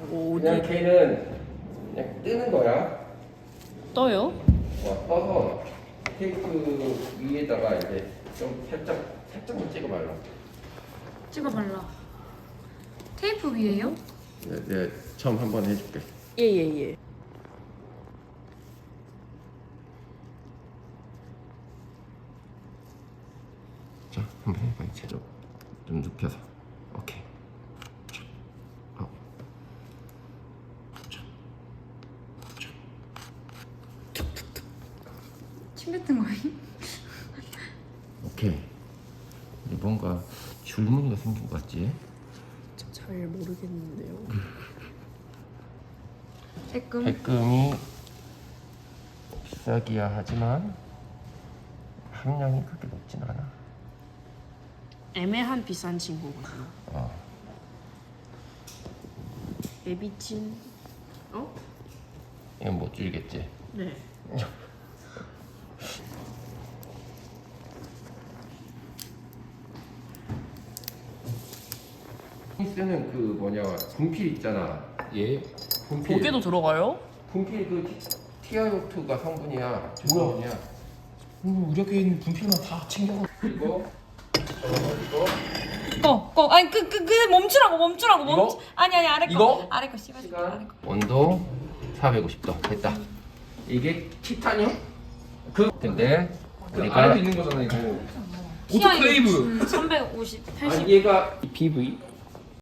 그냥 걔는 그냥 뜨는 거야. 떠요? 떠서 테이프 위에다가 이제 좀 살짝만 찍어 발라. 찍어 발라. 테이프 위에요? 네, 처음 한번 해줄게. 예예예. 자, 한번 해봐 이제. 좀 눕혀서. 오케이. 자, 침 뱉은 거예요? 오케이. 이제 뭔가 줄무늬가 생긴 것 같지? 잘 모르겠는데요. 조금. 백금이 비싸기야 하지만 함량이 그렇게 높진 않아. 애매한 비싼 친구거든요. 어. 베비친. 어? 이건 못 줄이겠지? 네. 쓰는 그 뭐냐 분필 있잖아. 얘 분필. 고개도 들어가요? 분필 그 티아요트가 성분이야. 조성분이야. 이렇게 있는 분필만 다 챙겨. 그리고 꺼. 아니 그 멈추라고 이거? 아니 아래 거. 이거? 아래 거 씹어줄게. 시간 아래 거. 온도 450도 됐다. 이게 티타늄? 근데 우리가 안에 있는 거잖아 이거. 오토클레이브. 350, 80. 얘가 PV.